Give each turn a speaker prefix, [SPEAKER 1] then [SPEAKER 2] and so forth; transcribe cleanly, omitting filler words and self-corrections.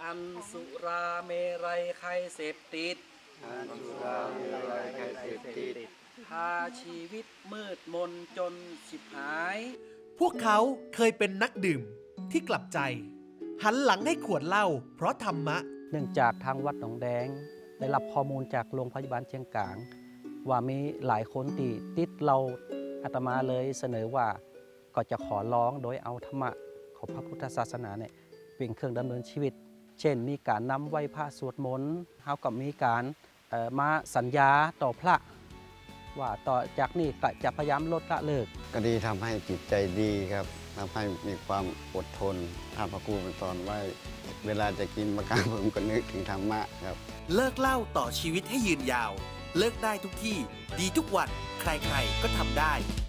[SPEAKER 1] อันสุราเมรัยใครเสพติดพาชีวิตมืดมนจนฉิบหาย
[SPEAKER 2] พวกเขาเคยเป็นนักดื่มที่กลับใจหันหลังให้ขวดเหล้าเพราะธรรมะ
[SPEAKER 3] เนื่องจากทางวัดหนองแดงได้รับข้อมูลจากโรงพยาบาลเชียงกางว่ามีหลายคนที่ติดเราอาตมาเลยเสนอว่าก็จะขอร้องโดยเอาธรรมะของพระพุทธศาสนาเนี่ยเป็นเครื่องดำเนินชีวิตเช่นมีการนำไหว้พระสวดมนต์เฮากับมีการมาสัญญาต่อพระว่าต่อจากนี้ก็จะพยายามลดละเลิก
[SPEAKER 4] ก็ดีทำให้จิตใจดีครับทำให้มีความอดทนถ้าพระครูเป็นตอนไว้เวลาจะกินมะกางผมก็นึกถึงธรรมะครับ
[SPEAKER 2] เลิกเหล้าต่อชีวิตให้ยืนยาวเลิกได้ทุกที่ดีทุกวันใครๆก็ทำได้